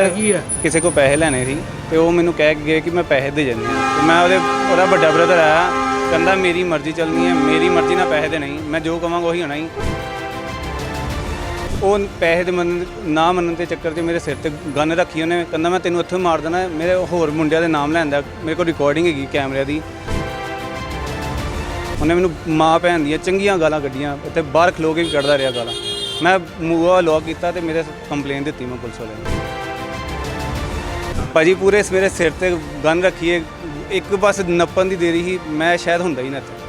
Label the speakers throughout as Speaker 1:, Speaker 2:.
Speaker 1: ਕਿਸੇ को पैसे ਲੈਣੇ ਸੀ ਤੇ ਉਹ ਮੈਨੂੰ ਕਹਿ ਕੇ ਗਏ ਕਿ ਮੈਂ ਪੈਸੇ ਦੇ ਜਾਂਦੀ ਹਾਂ ਤੇ ਮੈਂ ਉਹਦਾ ਵੱਡਾ ਬ੍ਰਦਰ ਆਇਆ ਕਹਿੰਦਾ ਮੇਰੀ ਮਰਜ਼ੀ ਚੱਲਣੀ ਹੈ ਮੇਰੀ ਮਰਜ਼ੀ ਨਾਲ ਪੈਸੇ ਦੇ ਨਹੀਂ ਮੈਂ ਜੋ ਕਵਾਂਗਾ ਉਹੀ ਹੋਣਾ ਹੀ ਉਹ ਪੈਸੇ ਦੇ ਨਾ ਮੰਨਣ ਦੇ ਚੱਕਰ 'ਚ ਮੇਰੇ ਸਿਰ ਤੇ ਗਨ ਰੱਖੀ ਉਹਨੇ ਕਹਿੰਦਾ ਮੈਂ ਤੈਨੂੰ ਇੱਥੋਂ ਮਾਰ ਦੇਣਾ ਮੇਰੇ ਹੋਰ ਮੁੰਡਿਆਂ ਦੇ ਨਾਮ ਲੈਂਦਾ ਮੇਰੇ ਕੋਲ ਰਿਕਾਰਡਿੰਗ ਹੈਗੀ ਕੈਮਰੇ ਦੀ ਉਹਨੇ ਮੈਨੂੰ ਮਾਂ ਭੈਣ ਦੀਆਂ ਚੰਗੀਆਂ ਗਾਲਾਂ ਕੱਢੀਆਂ ਇੱਥੇ ਬਾਹਰ ਖਲੋ ਕੇ ਵੀ ਕੱਢਦਾ ਰਿਹਾ ਗਾਲਾਂ ਮੈਂ ਮੂੰਹ ਲੌਕ ਕੀਤਾ ਤੇ ਮੇਰੇ ਕੰਪਲੇਨ ਦਿੱਤੀ ਮੈਂ ਪੁਲਿਸ ਵਾਲਿਆਂ ਨੂੰ ਭਾਜੀ ਪੂਰੇ ਮੇਰੇ ਸਿਰ ਤੇ ਗਨ ਰੱਖੀਏ ਇੱਕ ਬਸ ਨੱਪਣ ਦੀ ਦੇਰੀ ਸੀ ਮੈਂ ਸ਼ਾਇਦ ਹੁੰਦਾ ਹੀ ਨਾ ਇੱਥੇ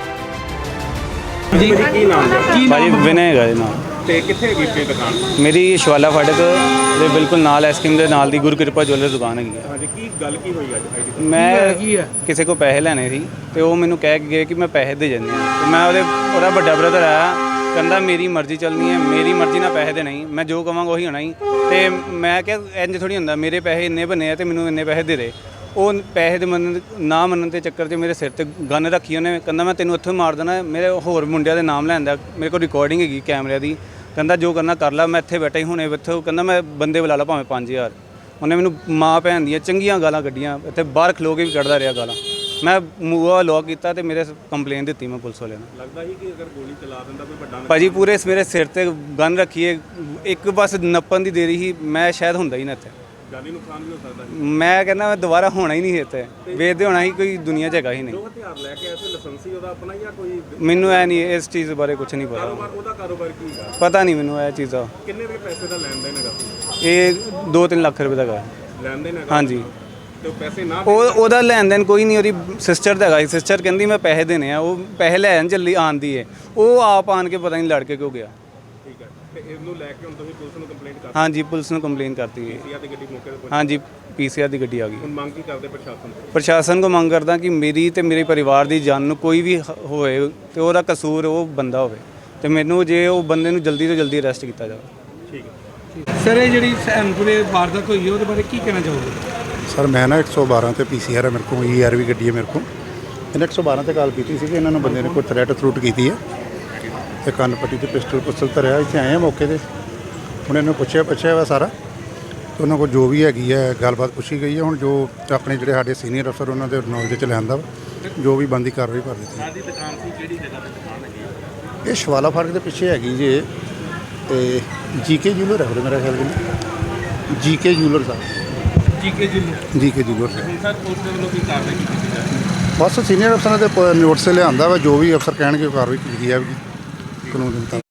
Speaker 2: ਜੀ ਕੀ ਨਾਮ ਹੈ
Speaker 1: ਭਾਜੀ ਵਿਨੇ ਹੈਗਾ ਜੀ ਨਾਮ
Speaker 2: ਤੇ ਕਿੱਥੇ ਹੈਗੀ ਆਪਣੀ ਦੁਕਾਨ
Speaker 1: ਮੇਰੀ ਸ਼ਵਾਲਾ ਫਾਟਕ ਦੇ ਬਿਲਕੁਲ ਨਾਲ ਐਸਕ੍ਰੀਮ ਦੇ ਨਾਲ ਦੀ ਗੁਰਕਿਰਪਾ ਜੁਐਲਰ ਦੁਕਾਨ ਹੈਗੀ ਹੈ
Speaker 2: ਹਾਂਜੀ ਕੀ ਗੱਲ ਕੀ ਹੋਈ ਅੱਜ
Speaker 1: ਮੈਂ ਕਿਸੇ ਕੋ ਪੈਸੇ ਲੈਣੇ ਸੀ ਤੇ ਉਹ ਮੈਨੂੰ ਕਹਿ ਕੇ ਗਏ ਕਿ ਮੈਂ ਪੈਸੇ ਦੇ ਜਾਂਦੀ ਹਾਂ ਤੇ ਮੈਂ ਉਹਦਾ ਵੱਡਾ ਬ੍ਰਦਰ ਆਇਆ ਕਹਿੰਦਾ ਮੇਰੀ ਮਰਜ਼ੀ ਚੱਲਣੀ ਹੈ ਮੇਰੀ ਮਰਜ਼ੀ ਨਾਲ ਪੈਸੇ ਦੇ ਨਹੀਂ ਮੈਂ ਜੋ ਕਵਾਂਗਾ ਉਹੀ ਹੋਣਾ ਹੀ ਤੇ ਮੈਂ ਕਿਹਾ ਇੰਜ ਥੋੜੀ ਹੁੰਦਾ ਮੇਰੇ ਪੈਸੇ ਇੰਨੇ ਬਣੇ ਆ ਤੇ ਮੈਨੂੰ ਇੰਨੇ ਪੈਸੇ ਦੇ ਦੇ ਉਹ ਪੈਸੇ ਦੇ ਨਾ ਮੰਨਣ ਦੇ ਚੱਕਰ 'ਚ ਮੇਰੇ ਸਿਰ ਤੇ ਗਨ ਰੱਖੀ ਉਹਨੇ ਕਹਿੰਦਾ ਮੈਂ ਤੈਨੂੰ ਇੱਥੋਂ ਮਾਰ ਦੇਣਾ ਮੇਰੇ ਹੋਰ ਮੁੰਡਿਆਂ ਦੇ ਨਾਮ ਲੈਂਦਾ ਮੇਰੇ ਕੋਲ ਰਿਕਾਰਡਿੰਗ ਹੈਗੀ ਕੈਮਰੇ ਦੀ ਕਹਿੰਦਾ ਜੋ ਕਰਨਾ ਕਰ ਲੈ ਮੈਂ ਇੱਥੇ ਬੈਠਾ ਹੀ ਹੁਣੇ ਇੱਥੇ ਕਹਿੰਦਾ ਮੈਂ ਬੰਦੇ ਬੁਲਾ ਲਾ ਭਾਵੇਂ 5000 ਉਹਨੇ ਮੈਨੂੰ ਮਾਂ ਭੈਣ ਦੀਆਂ ਚੰਗੀਆਂ ਗਾਲਾਂ ਕੱਢੀਆਂ ਇੱਥੇ ਬਾਹਰ ਖਲੋ ਕੇ ਵੀ ਕੱਢਦਾ ਰਿਹਾ ਗਾਲਾਂ ਮੈਂ ਮੂੰਹ ਲੌਕ ਕੀਤਾ ਤੇ ਮੇਰੇ ਕੰਪਲੇਨ ਦਿੱਤੀ ਮੈਂ ਪੁਲਿਸ ਵਾਲਿਆਂ ਨੂੰ
Speaker 2: ਲੱਗਦਾ ਸੀ ਕਿ ਅਗਰ ਗੋਲੀ ਚਲਾ ਦਿੰਦਾ ਕੋਈ ਵੱਡਾ
Speaker 1: ਭਾਜੀ ਪੂਰੇ ਮੇਰੇ ਸਿਰ ਤੇ ਗਨ ਰੱਖੀਏ ਇੱਕ ਬਸ ਨੱਪਣ ਦੀ ਦੇਰੀ ਸੀ ਮੈਂ ਸ਼ਾਇਦ ਹੁੰਦਾ ਹੀ ਨਾ ਇੱਥੇ
Speaker 2: ਜਾਨੀ ਨੁਕਸਾਨ ਵੀ ਹੋ ਸਕਦਾ
Speaker 1: ਮੈਂ ਕਹਿੰਦਾ ਮੈਂ ਦੁਬਾਰਾ ਹੋਣਾ ਹੀ ਨਹੀਂ ਇੱਥੇ ਵੇਚਦੇ ਹੋਣਾ ਹੀ ਕੋਈ ਦੁਨੀਆ 'ਚ ਹੈਗਾ ਹੀ ਨਹੀਂ
Speaker 2: ਉਹ ਹਥਿਆਰ ਲੈ ਕੇ ਐਸੇ ਲਾਇਸੈਂਸੀ ਉਹਦਾ ਆਪਣਾ ਜਾਂ ਕੋਈ
Speaker 1: ਮੈਨੂੰ ਐ ਨਹੀਂ ਇਸ ਚੀਜ਼ ਬਾਰੇ ਕੁਝ ਨਹੀਂ ਪਤਾ
Speaker 2: ਉਹਦਾ ਕਾਰੋਬਾਰ ਕੀ ਹੈ
Speaker 1: ਪਤਾ ਨਹੀਂ ਮੈਨੂੰ ਇਹ ਚੀਜ਼ ਦਾ
Speaker 2: ਕਿੰਨੇ ਦੇ ਪੈਸੇ ਦਾ ਲੈਣ ਦੇਣ ਹੈਗਾ
Speaker 1: ਇਹ 2-3 ਲੱਖ ਰੁਪਏ ਦਾ ਹੈਗਾ
Speaker 2: ਲੈਣ ਦੇਣ ਹੈਗਾ
Speaker 1: ਹਾਂਜੀ
Speaker 2: ਤੇ ਉਹ ਪੈਸੇ ਨਾ
Speaker 1: ਉਹਦਾ ਲੈਣ ਦੇਣ ਕੋਈ ਨਹੀਂ ਉਹਦੀ ਸਿਸਟਰ ਦਾ ਹੈਗਾ ਸਿਸਟਰ ਕਹਿੰਦੀ ਮੈਂ ਪੈਸੇ ਦੇਣੇ ਆ ਉਹ ਪੈਸੇ ਲੈਣ ਚੱਲੀ ਆਂਦੀ ਹੈ ਉਹ ਆਪ ਆਣ ਕੇ ਪਤਾ ਨਹੀਂ ਲੜ ਕੇ ਕਿਉਂ ਗਿਆ
Speaker 2: ਠੀਕ ਹੈ ਤੇ ਇਹਨੂੰ ਲੈ ਕੇ ਹੁਣ ਤੁਸੀਂ ਪੁਲਿਸ ਨੂੰ ਕੰਪਲੇਂਟ ਕਰ
Speaker 1: ਹਾਂਜੀ ਪੁਲਿਸ ਨੂੰ ਕੰਪਲੇਨ ਕਰਤੀ ਹੈ
Speaker 2: ਦਿੱਤੀ ਆ ਤੇ ਗੱਡੀ ਮੌਕੇ ਤੇ ਪਹੁੰਚ
Speaker 1: ਹਾਂਜੀ ਪੀਸੀਆਰ ਦੀ ਗੱਡੀ ਆ ਗਈ
Speaker 2: ਹੁਣ ਮੰਗ ਕੀ ਕਰਦੇ ਪ੍ਰਸ਼ਾਸਨ ਤੋਂ
Speaker 1: ਪ੍ਰਸ਼ਾਸਨ ਕੋ ਮੰਗ ਕਰਦਾ ਕਿ ਮੇਰੀ ਤੇ ਮੇਰੇ ਪਰਿਵਾਰ ਦੀ ਜਾਨ ਨੂੰ ਕੋਈ ਵੀ ਹੋਏ ਤੇ ਉਹਦਾ ਕਸੂਰ ਉਹ ਬੰਦਾ ਹੋਵੇ ਤੇ ਮੈਨੂੰ ਜੇ ਉਹ ਬੰਦੇ ਨੂੰ ਜਲਦੀ ਤੋਂ ਜਲਦੀ ਅਰੈਸਟ ਕੀਤਾ ਜਾਵੇ
Speaker 2: ਠੀਕ ਹੈ
Speaker 3: ਸਰ ਇਹ ਜਿਹੜੀ ਸੈਨਪੁਰੇ ਵਾਰਦਾਤ ਹੋਈ ਹੈ ਉਹਦੇ ਬਾਰੇ ਕੀ ਕਹਿਣਾ ਚਾਹੋਗੇ
Speaker 4: ਸਰ ਮੈਂ ਨਾ 112 ਤੇ ਪੀਸੀਆਰ ਹੈ ਮੇਰੇ ਕੋਲ ਈਆਰ ਵੀ ਗੱਡੀ ਹੈ ਮੇਰੇ ਕੋਲ ਇਹਨੇ 112 ਤੇ ਕਾਲ ਕੀਤੀ ਸੀ ਕਿ ਇਹਨਾਂ ਨੂੰ ਬੰਦੇ ਨੇ ਕੋਈ ਥ੍ਰੈਟ ਥਰੂਟ ਕੀਤੀ ਹੈ ਤੇ ਕੰਨ ਪੱਟੀ ਤੇ ਪਿਸਟਲ ਧਰਿਆ ਇੱਥੇ ਆਏ ਆ ਮੌਕੇ ਤੇ ਹੁਣ ਇਹਨੂੰ ਪੁੱਛਿਆ ਵਾ ਸਾਰਾ ਤੇ ਉਹਨਾਂ ਕੋਲ ਜੋ ਵੀ ਹੈਗੀ ਹੈ ਗੱਲਬਾਤ ਪੁੱਛੀ ਗਈ ਹੈ ਹੁਣ ਜੋ ਆਪਣੇ ਜਿਹੜੇ ਸਾਡੇ ਸੀਨੀਅਰ ਅਫਸਰ ਉਹਨਾਂ ਦੇ ਨੌਲੇਜ 'ਚ ਲਿਆਂਦਾ ਜੋ ਵੀ ਬਣਦੀ ਕਾਰਵਾਈ ਕਰ ਦਿੱਤੀ
Speaker 2: ਸਾਡੀ ਦੁਕਾਨ ਸੀ ਕਿਹੜੀ ਜਗ੍ਹਾ ਤੇ ਦੁਕਾਨ ਹੈਗੀ
Speaker 4: ਇਹ ਸ਼ਵਾਲਾ ਫਾਟਕ ਦੇ ਪਿੱਛੇ ਹੈਗੀ ਜੇ ਤੇ ਜੀਕੇ ਜੂਲਰ ਹੈ ਮੇਰਾ ਖਿਆਲ ਜੀ ਜੀਕੇ ਜੂਲਰ ਸਾਹਿਬ
Speaker 2: ਜੀਕੇ ਜੀ
Speaker 4: ਜੀਕੇ ਜੂਲਰ
Speaker 2: ਹੁਣ ਸਰ ਪੁਲਿਸ ਦੇ ਵੱਲੋਂ ਕੀ ਕਾਰਵਾਈ ਕੀਤੀ ਜਾ ਰਹੀ ਹੈ
Speaker 4: ਬਸ ਸੀਨੀਅਰ ਅਫਸਰਾਂ ਦੇ ਨੋਟਿਸ ਲਿਆਂਦਾ ਵਾ ਜੋ ਵੀ ਅਫਸਰ ਕਹਿਣਗੇ ਉਹ ਕਾਰਵਾਈ ਕੀਤੀ ਜਾਵੇਗੀ ਕਾਨੂੰਨ ਦੇ ਮੁਤਾਬਕ